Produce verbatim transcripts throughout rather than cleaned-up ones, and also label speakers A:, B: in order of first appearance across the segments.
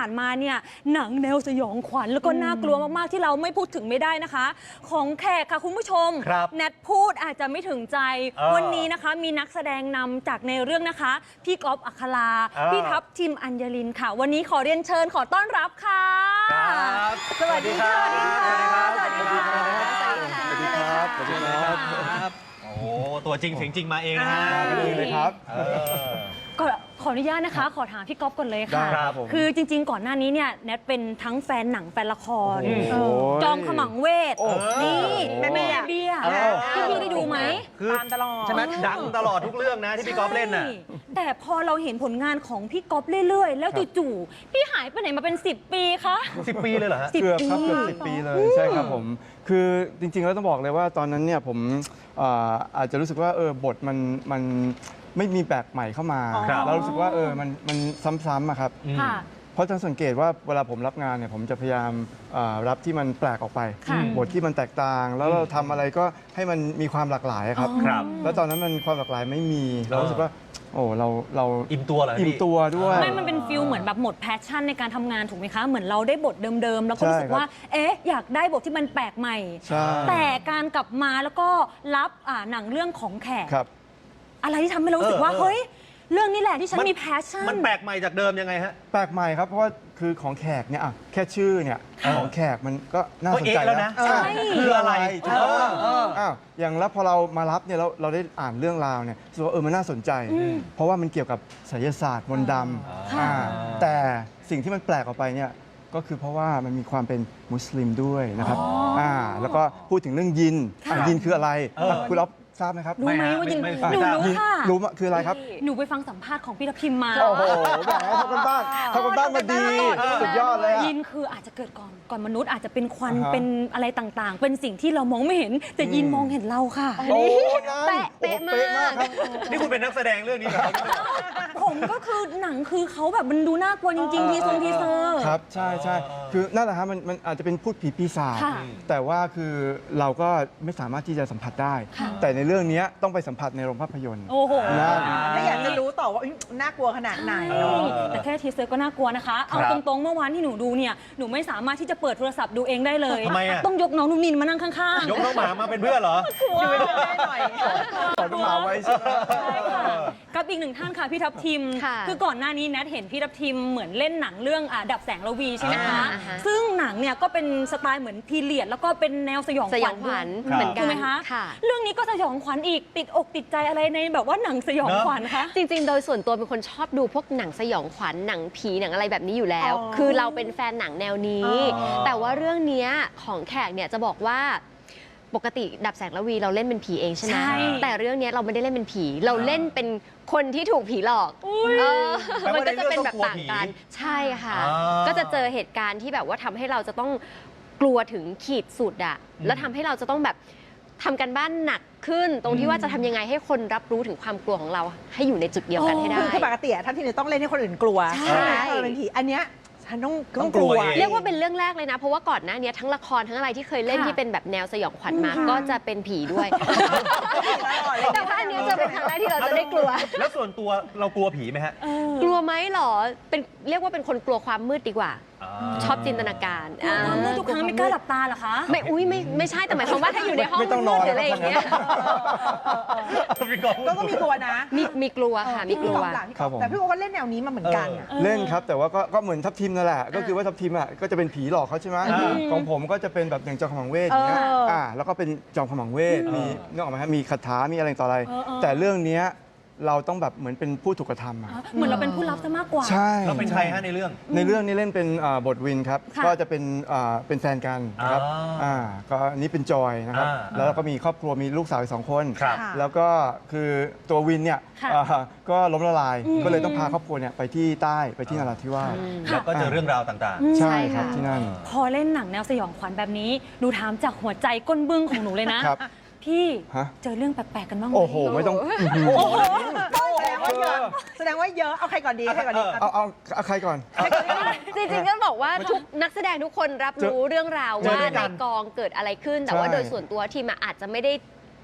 A: ผ่านมาเนี่ยหนังแนวสยองขวัญแล้วก็น่ากลัวมากๆที่เราไม่พูดถึงไม่ได้นะคะ ของแขกค่ะคุณผู้ชมแนทพูดอาจจะไม่ถึงใจวันนี้นะคะมีนักแสดงนำจากในเรื่องนะคะพี่ก๊อฟอัคราพี่ทัพทิมอัญญลินค่ะวันนี้ขอเรียนเชิญขอต้อนรับค่ะสวัสดีค่ะสวัสดีค่ะสวัสดีค่ะ
B: สวัสดีครับสวัสดีครับโอ้โหตัวจริงเสียงจริงมาเองนะฮะ
C: มาดีเลยครับ
A: ก็ขออนุญาตนะคะขอถามพี่ก๊อฟก่อนเลยค่ะคือจริงๆก่อนหน้านี้เนี่ยแนทเป็นทั้งแฟนหนังแฟนละครจอมขมังเวทนี่แม่แม่เบี้ยพี่พี่ได้ดูไหม
B: ตามตลอดใช่ไหมดังตลอดทุกเรื่องนะที่พี่ก๊อฟเล่นน่ะ
A: แต่พอเราเห็นผลงานของพี่ก๊อฟเรื่อยๆแล้วจู่ๆพี่หายไปไหนมาเป็นสิบปีคะ
B: สิบปีเลยเหรอฮะ
C: เกือบครับเกือบสิบปีเลยใช่ครับผมคือจริงๆแล้วต้องบอกเลยว่าตอนนั้นเนี่ยผมอาจจะรู้สึกว่าเออบทมันมันไม่มีแปลกใหม่เข้ามาแล้วรู้สึกว่าเออมันมันซ้ำๆอะครับเพราะจะสังเกตว่าเวลาผมรับงานเนี่ยผมจะพยายามรับที่มันแปลกออกไปบทที่มันแตกต่างแล้วเราทำอะไรก็ให้มันมีความหลากหลายครับแล้วตอนนั้นมันความหลากหลายไม่มีเรารู้สึกว่าโอ้เราเรา
B: อิ่มตัวเหรอ
C: อิ่มตัวด้วย
A: ไม่มันเป็นฟิลเหมือนแบบหมดแพชชั่นในการทำงานถูกไหมคะเหมือนเราได้บทเดิมๆแล้วก็รู้สึกว่าเอ๊ะอยากได้บทที่มันแปลกใหม่แต่การกลับมาแล้วก็รับหนังเรื่องของแขกอะไรที่ทำให้เรารู้สึกว่าเฮ้ยเรื่องนี้แหละที่ฉันมีแพชชั่น
B: มันแปลกใหม่จากเดิมยังไงฮะ
C: แปลกใหม่ครับเพราะว่าคือของแขกเนี่ยแค่ชื่อเนี่ยของแขกมันก็น่าสนใจ
B: แล้วนะคืออะไร
C: อ้าวอย่างแล้วพอเรามารับเนี่ยเราเราได้อ่านเรื่องราวเนี่ยรู้สึกว่าเออมันน่าสนใจเพราะว่ามันเกี่ยวกับไสยศาสตร์มนต์ดำแต่สิ่งที่มันแปลกออกไปเนี่ยก็คือเพราะว่ามันมีความเป็นมุสลิมด้วยนะครับอ่าแล้วก็พูดถึงเรื่องยินยินคืออะไรคุณอ๊อฟทราบไหมครับ
A: รู้ไหมว่ายินหนูรู้ค่ะ
C: รู้คืออะไรครับ
A: หนูไปฟังสัมภาษณ์ของพี่ทัพทิมมา
C: โอ้โหแบบทำกันบ้านทำกันบ้านมาดีสุดยอดเลย
A: ยินคืออาจจะเกิดก่อนก่อนมนุษย์อาจจะเป็นควันเป็นอะไรต่างๆเป็นสิ่งที่เรามองไม่เห็นแต่ยินมองเห็นเราค่ะ
C: โอ้
A: เป๊ะเป๊ะมาก
B: นี่คุณเป็นนักแสดงเรื่องนี้เหรอ
A: ผมก็คือหนังคือเขาแบบมันดูน่ากลัวจริงๆทีทรงทีเซอร์
C: ครับใช่ใช่คือนั่นแหละครับมันมันอาจจะเป็นพูดผีปีศาจแต่ว่าคือเราก็ไม่สามารถที่จะสัมผัสได้แต่ในเรื่องนี้ต้องไปสัมผัสในโรงภาพยนตร์
A: โอ้โห
D: ถ้าอยากจะรู้ต่อว่าน่ากลัวขนาดไหน
A: แต่แค่ทีเซอร์ก็น่ากลัวนะคะเอาตรงๆเมื่อวานที่หนูดูเนี่ยหนูไม่สามารถที่จะเปิดโทรศัพท์ดูเองได้เลย
B: ทำไมอ่ะ
A: ต้องยกน้องนุ่มนินมานั่งข้าง
B: ๆยกน้องหมามาเป็นเพื่อนเหรอ
D: อยู่เป็นเพื่อนได้หน่อย
C: ขอน้องหมาไว้ใช่ไหม
A: กับอีกหนึ่งท่านค่ะพี่ทัพทิมคือก่อนหน้านี้แนทเห็นพี่ทัพทิมเหมือนเล่นหนังเรื่องดับแสงระวีใช่ไหมคะซึ่งหนังเนี่ยก็เป็นสไตล์เหมือนพีเรียดแล้วก็เป็นแนวสยองขวัญ
E: เหมือนกัน
A: ถูกไหมคะเรื่องนี้ก็สยองขวัญอีกติดอกติดใจอะไรในแบบว่าหนังสยองขวัญคะ
E: จริงๆโดยส่วนตัวเป็นคนชอบดูพวกหนังสยองขวัญหนังผีหนังอะไรแบบนี้อยู่แล้วคือเราเป็นแฟนหนังแนวนี้แต่ว่าเรื่องนี้ของแขกเนี่ยจะบอกว่าปกติดับแสงระวีเราเล่นเป็นผีเองใช่ไหมแต่เรื่องนี้เราไม่ได้เล่นเป็นผีเราเล่นเป็นคนที่ถูกผีหลอกมันก็จะเป็นแบบต่างกันใช่ค่ะก็จะเจอเหตุการณ์ที่แบบว่าทำให้เราจะต้องกลัวถึงขีดสุดอะแล้วทำให้เราจะต้องแบบทำกันบ้านหนักขึ้นตรงที่ว่าจะทำยังไงให้คนรับรู้ถึงความกลัวของเราให้อยู่ในจุดเดียวกันให้ได้
D: คือปกติท่านที่ต้องเล่นให้คนอื่นกลัวใช่ไหมเป็นผีอันเนี้ยฉันต้องต้องกลัว
E: เรียกว่าเป็นเรื่องแรกเลยนะเพราะว่าก่อนหน้านี้ทั้งละครทั้งอะไรที่เคยเล่นที่เป็นแบบแนวสยองขวัญมาก็จะเป็นผีด้วยแต่ว่าอันนี้จะเป็นครั้งแรกที่เราจะได้กลัว
B: แล้วส่วนตัวเรากลัวผีไหมฮะ
E: กลัวไหมหรอเป็นเรียกว่าเป็นคนกลัวความมืดดีกว่าชอบจินตนาการ
A: เมื่อทุกครั้งไม่กล้าหลับตาเหรอคะ
E: ไม่อุ้ยไม่ไม่ใช่แต่หมายความว่าถ้าอยู่ในห้องมืดหรืออะไรอย่างเงี้ย
D: ก็ก็มีกลัวนะ
E: มีมีกลัวค่ะมีกลัว
D: แต่พี่โอก็เล่นแนวนี้มาเหมือนกัน
C: เล่นครับแต่ว่าก็ก็เหมือนทัพทิมนั่นแหละก็คือว่าทัพทิมอ่ะก็จะเป็นผีหลอกเขาใช่ไหมของผมก็จะเป็นแบบอย่างจอมขมังเวทอย่างเงี้ยอ่าแล้วก็เป็นจอมขมังเวทมีนึกออกไหมฮะมีคาถามีอะไรต่ออะไรแต่เรื่องเนี้ยเราต้องแบบเหมือนเป็นผู้ถูกกระทำอ่ะ
A: เหมือนเราเป็นผู้รับซะมากกว่า
C: ใช่
B: เราเป็นใครฮะในเรื่อง
C: ในเรื่องนี้เล่นเป็นบทวินครับก็จะเป็นเป็นแฟนกันนะครับอ่าก็นี้เป็นจอยนะครับแล้วก็มีครอบครัวมีลูกสาวสองคนแล้วก็คือตัววินเนี่ยก็ล้มละลายก็เลยต้องพาครอบครัวเนี่ยไปที่ใต้ไปที่นราธิวาส
B: แล้วก็เจอเรื่องราวต่าง
C: ๆใช่ครับที่นั่น
A: พอเล่นหนังแนวสยองขวัญแบบนี้ดูถามจากหัวใจก้นบึ้งของหนูเลยนะพี่เจอเรื่องแปลกๆกันบ้างไหม
C: โอ้โหไม่ต้อง
D: แสดงว่าเยอะเอาใครก่อนดีใครก่อนดี
C: เอาเอาเอาใครก่อน
E: จริงๆก็บอกว่าทุกนักแสดงทุกคนรับรู้เรื่องราวว่าในกองเกิดอะไรขึ้นแต่ว่าโดยส่วนตัวทีมอาจจะไม่ได้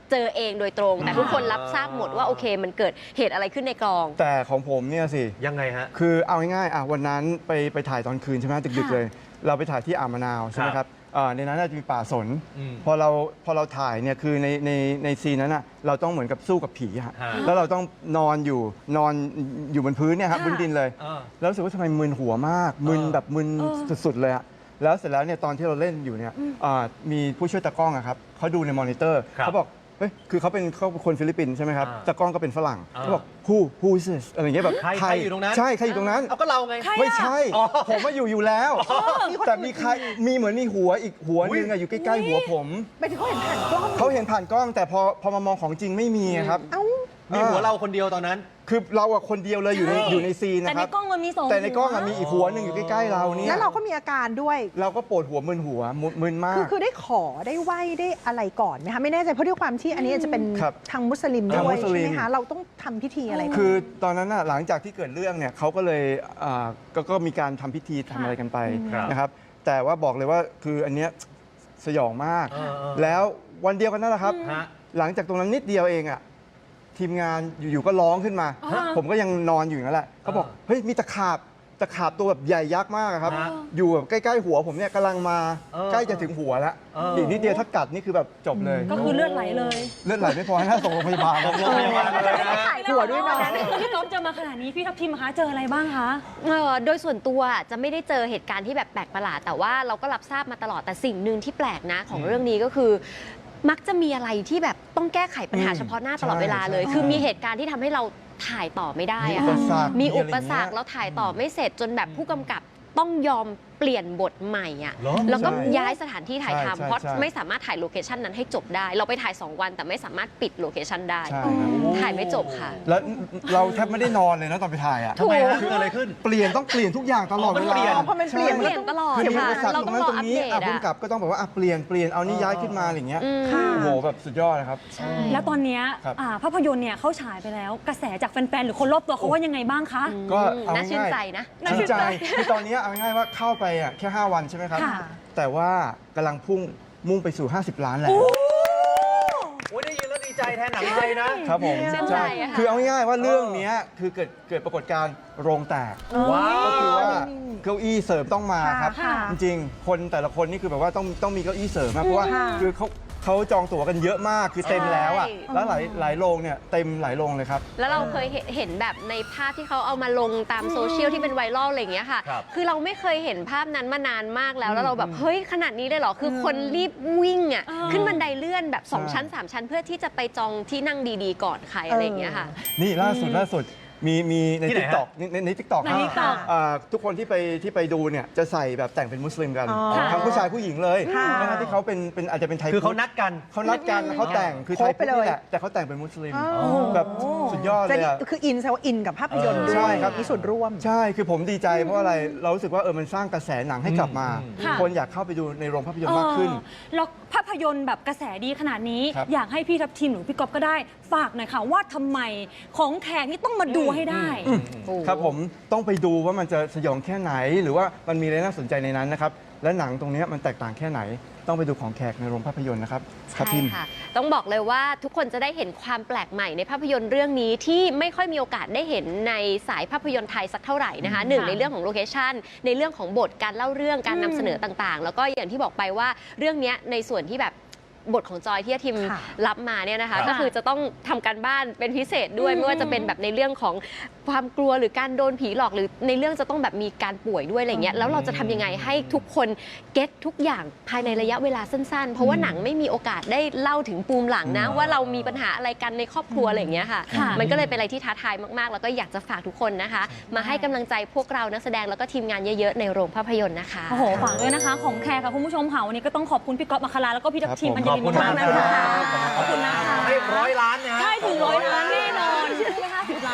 E: เจอเองโดยตรง แต่ทุกคนรับทราบหมดว่าโอเคมันเกิดเหตุอะไรขึ้นในกอง
C: แต่ของผมเนี่ยสิ
B: ยังไงฮะ
C: คือเอาง่ายๆอ่ะวันนั้นไปไปถ่ายตอนคืนใช่ไหมดึกๆเลย เราไปถ่ายที่อ่าวมะนาวใช่ไหมครับอ่าในนั้นน่าจะมีป่าสน
B: อืม
C: พอเราพอเราถ่ายเนี่ยคือในในในซีนนั้นอ่ะเราต้องเหมือนกับสู้กับผีฮะ
B: ฮะ
C: แล้วเราต้องนอนอยู่นอนอยู่บนพื้นเนี่ยครับ
A: ค่ะ
C: บนดินเลย
B: เออ
C: แล้วรู้สึกว่าทำไมมึนหัวมากมึน
B: เออ
C: แบบมึน
A: เออ
C: สุดๆเลยอะแล้วเสร็จแล้วเนี่ยตอนที่เราเล่นอยู่เนี่ยอ่ามีผู้ช่วยตากล้องอะครับเขาดูในมอนิเตอร์
B: ครับ
C: เขาบอกเฮ้ยคือเขาเป็นเขาเป็นคนฟิลิปปินส์ใช่ไหมครับ
B: อ่า
C: ตากล้องก็เป็นฝรั่ง
B: อ่า
C: เขาบอก who who is this อะไรอย่างเงี้ยแบบ
B: ใครใครอยู่ตรงนั้น
C: ใช่ใครอยู่ตรงนั้น
B: เอาก็เราไง
A: ใคร
C: ไม่ใช่
B: อ๋อ
C: ผมมาอยู่อยู่แล้ว แต่มีใครมีเหมือนมีหัวอีกหัวหนึงอะอยู่ใกล้ๆหัวผม
D: ไปถึงเขาเห็นผ่านกล้อง
C: เขาเห็นผ่านกล้อง แต่พอพอมามองของจริงไม่มีอะครับ
D: เอ้า
B: มีหัวเราคนเดียวตอนนั้น
C: คือเราอะคนเดียวเลยอยู่ใน
B: ใช่
C: อยู่ในซีน
A: แต่
C: นะค
A: ใน
C: รับ
A: กล้องมันมีสอง
C: แต่ในกล้องอะ
A: หัว
C: มีอีกหัวหนึ่งอยู่ใกล้ๆเราเนี่ย
D: แล้วเราก็มีอาการด้วย
C: เราก็ปวดหัวมึนหัวมึนมึนมา
D: คือก คือได้ขอได้ไหว้ได้อะไรก่อนไหมคะไม่แน่ใจเพราะด้วยความที่อันนี้จะเป็น
C: ครับ
D: ทางมุสลิม
C: ทาง
D: ด้ว
C: มุ
D: ย
C: ส
D: ใช่
C: ลิม
D: ไหมคะเราต้องทำพิธีอะไรก่อน
C: คือตอนนั้นน่ะหลังจากที่เกิดเรื่องเนี่ยเขาก็เลยอ่าก็ก็มีการทำพิธีทำอะไรกันไป
B: ครับ
C: นะครับ แต่ว่าบอกเลยว่าคืออันเนี้ยสยองมาก
B: เออเออ
C: แล้ววันเดียวกันนั่นแหละครับ
B: ฮะ
C: หลังจากตรงนั้นนิดเดียวเองอ่ะทีมงานอยู่ๆก็ร้องขึ้นมา
A: ฮะ
C: ผมก็ยังนอนอยู่นั่นแหละเขาบอก
B: อ่า
C: เฮ้ยมีตะขาบตะขาบตัวแบบใหญ่ยักษ์มากอะครับ
B: ฮะ
C: อยู่แบบใกล้ๆหัวผมเนี่ยกำลังมา
B: เออ
C: ใกล้จะถึงหัวแล้ว
B: เอออี
C: อีกนิดเดียวถ้ากัดนี่คือแบบจบเลย
A: ก็คือเลือดไหลเลย
C: เลือดไหลไม่พอให้น่าส่งโรงพยาบาล
B: ส่งโรงพยาบาลเลยนะ
D: หัวด้วยนะ
A: พี่ก๊อฟเจอมาขนาดนี้พี่ทัพทิมคะเจออะไรบ้างคะ
E: เอ่อโดยส่วนตัวจะไม่ได้เจอเหตุการณ์ที่แบบแปลกประหลาด แต่ว่าเราก็รับทราบมาตลอดแต่สิ่งหนึ่งที่แปลกนะของเรื่องนี้ก็คือ มักจะมีอะไรที่แบบต้องแก้ไขปัญหา
C: อืม
E: เฉพาะหน้าตลอดเวลาเลย
C: ใช่
E: คือมีเหตุการณ์ที่ทำให้เราถ่ายต่อไม่ได้
C: มี
E: อะ
C: อุป
E: ค่ะ
C: สรรค
E: มีอุ
C: ะไร
E: ป
C: ย่าง
E: สร
C: เงี้
E: ร
C: ย
E: คเราถ่ายต่อไม่เสร็จจนแบบผู้กำกับต้องยอมเปลี่ยนบทใหม่อะ
B: เหรอ
E: แล้วก็
C: ใช่
E: ย้ายสถานที่ถ่าย
C: ใช่
E: ทำ
C: ใช่
E: เพราะ
C: ใช่
E: ไม่สามารถถ่ายโลเคชันนั้นให้จบได้ เราไปถ่ายสองวันแต่ไม่สามารถปิดโลเคชันได้
C: ใช่ครับ
E: ถ่ายไม่จบค่ะ
C: แล้วเราแทบไม่ได้นอนเลยนะตอนไปถ่ายอ่ะ
B: ทำไมฮะคืออะไรขึ้น
C: เปลี่ยนต้องเปลี่ยนทุกอย่างตลอด
B: อ๋อมั
C: เวน
B: เปลี่
C: ลา
B: ยน
D: พอมันเปลี่ยน
E: เปลี่ยนตลอด
C: คือมี
E: ค่ะ
C: อุปสรรค
E: เรา
C: ตรง
E: ต้อง
C: นั้น
E: รอ
C: ตร
E: อั
C: ง
E: ป
C: นี้
E: เดต
C: อ่ะ
E: อะ
C: พุ่มกับก็ต้องบอกว่าอ่ะเปลี่ยนเปลี่ยนเอานี่ย้ายขึ้นมาอะไรอย่างเงี้ย
E: อืม
D: ค่ะ
C: โอ้โหแบบสุดยอดนะครับ
E: ใช่
A: แล้วตอนเนี้ย
C: ครับ
A: อ่าภาพยนตร์เนี่ยเขาฉายไปแล้ว กระแสจากแฟนๆ หรือคนรอบตัวเขาว่ายังไงบ้างคะ
C: ก็เอา
E: น่าชื่น
C: ง่าย
E: ใจนะ
A: น่าชื่
C: ชื่น
A: น
C: ใจ
A: ใจ
C: คือตอนนี้เอาง่ายๆว่าเข้าไปอ่ะแค่ ห้า วันใช่ไหมครับ
A: ค่ะ
C: แต่ว่ากำลังพุ่งมุ่งไปสู่ ห้าสิบ ล้านแล้ว
B: โอ้ยได้ยินแล้วดีใจแทนหนังไทยนะ
C: ครับผม
E: ชื่นใจอะค่ะ
C: คือเอาง่ายๆว่าเรื่องเนี้ยคือเกิดเกิดปรากฏการณ์โรงแตก
B: ว้าว
C: ก็คือว่าเก้าอี้เสริมต้องมาครับ
D: ค่ะ
C: จริงๆ คนแต่ละคนนี่คือแบบว่าต้องต้องมีเก้าอี้เสริมนะเพราะว่า
D: ค่ะ
C: คือเขาเขาจองตั๋วกันเยอะมากคือเต็มแล้วอ่ะ
E: ใช่
C: แล้วหลายหลายโรงเนี่ยเต็มหลายโรงเลยครับ
E: แล้วเราเคยเห็นเห็นแบบในภาพที่เขาเอามาลงตามโซเชียลที่เป็นไวรัลอะไรอย่างเงี้ยค่ะ
B: ครับ
E: คือเราไม่เคยเห็นภาพนั้นมานานมากแล้ว แล้วเราแบบ เฮ้ย ขนาดนี้เลยเหรอ คือคนรีบวิ่งอ่ะ
A: อ่า
E: ขึ้นบันไดเลื่อนแบบ 2
C: ใช่
E: ชั้น 3 ชั้น เพื่อที่จะไปจองที่นั่งดีๆ ก่อนใครอะไรอย่างเงี้ยค่ะ
C: นี่ล่าสุดล่าสุดมีมีใน
B: ที่ไหน
C: ทิก
B: ฮะ
C: ตอกในในทิกตอก
A: ใน TikTok
C: ทุกคนที่ไปที่ไปดูเนี่ยจะใส่แบบแต่งเป็นมุสลิมกัน
D: อ๋อ
C: ทั้งผู้ชายผู้หญิงเลย
D: ค่ะ
C: ทั้งที่เขาเป็นเป็นอาจจะเป็นไทย
B: คือเขา
C: พุทธ
B: นัดกัน
C: เขานัดกันแล้วเขาแต่งคือไทย
D: ครบไป
C: พุทธ
D: เลย
C: นี่แหละแต่เขาแต่งเป็นมุสลิม
D: อ๋อ
C: แบบสุดยอดเล
D: จะ
C: ย
D: นี่
C: อะ
D: คืออินแซวาอินกับภาพยนตร์ด้
C: ใช่
D: วย
C: ครับ
D: มีส่วนร่วม
C: ใช่ คือผมดีใจเพราะอะไร เรารู้สึกว่าเออ มันสร้างกระแสหนังให้กลับมา
B: อืม
A: ค่ะ
C: คนอยากเข้าไปดูในโรงภาพยนตร์มากขึ้น
A: เออแล้วภาพยนตร์แบบกระแสดีขนาดนี้
C: ครับ
A: อยากให้พี่ทัพทีมหรือพี่ก๊อฟก็ได้ฝากหน่อยค่ะว่าทำไมของแขกนี่ต้องมาดูให้ได้
C: ครับผมต้องไปดูว่ามันจะสยองแค่ไหน หรือว่ามันมีอะไรน่าสนใจในนั้นนะครับ และหนังตรงเนี้ยมันแตกต่างแค่ไหน ต้องไปดูของแขกในโรงภาพยนตร์นะครับครับ
E: ใช่
C: พิม
E: ค่ะ ต้องบอกเลยว่าทุกคนจะได้เห็นความแปลกใหม่ในภาพยนตร์เรื่องนี้ที่ไม่ค่อยมีโอกาสได้เห็นในสายภาพยนตร์ไทยสักเท่าไหร่นะคะหนึ่ง
A: ค่ะ
E: ในเรื่องของโลเคชันในเรื่องของบทการเล่าเรื่องการนำเสนอต่างๆ แล้วก็อย่างที่บอกไปว่าเรื่องเนี้ยในส่วนที่แบบบทของจอยที่ทีม
D: ค่ะ
E: รับมาเนี่ยนะคะ
B: ค่ะ
E: ก็คือจะต้องทำการบ้านเป็นพิเศษด้วยไม่ว่าจะเป็นแบบในเรื่องของความกลัวหรือการโดนผีหลอกหรือในเรื่องจะต้องแบบมีการป่วยด้วยอะไรเงี้ยแล้วเราจะทำยังไงให้ทุกคนเก็ตทุกอย่างภายในระยะเวลาสั้นๆ เพราะว่าหนังไม่มีโอกาสได้เล่าถึงปูมหลังนะ ว่าเรามีปัญหาอะไรกันในครอบครัวอะไรอย่างเงี้ยค่ะ
A: ค่ะ
E: มันก็เลยเป็นอะไรที่ท้าทายมากๆ แล้วก็อยากจะฝากทุกคนนะคะ มาให้กำลังใจพวกเรานักแสดงแล้วก็ทีมงานเยอะๆในโรงภาพยนตร์นะคะ
A: โอ้โหฝากด้วยนะคะ ของแขกค่ะคุณผู้ชมค่ะวันนี้ก็ต้องขอบคุณพี่ก๊อฟอัคคาราแล้วก็พี่ทัพทีม
C: ครับ
A: อัญ
C: ผม
A: ญลินมากๆนะคะ
B: ขอบคุณมาก
A: ขอบคุณนะคะ
B: ให้ร้อยล้านนะฮะ
A: ใช่ถึงร้อยล้านแน่นอน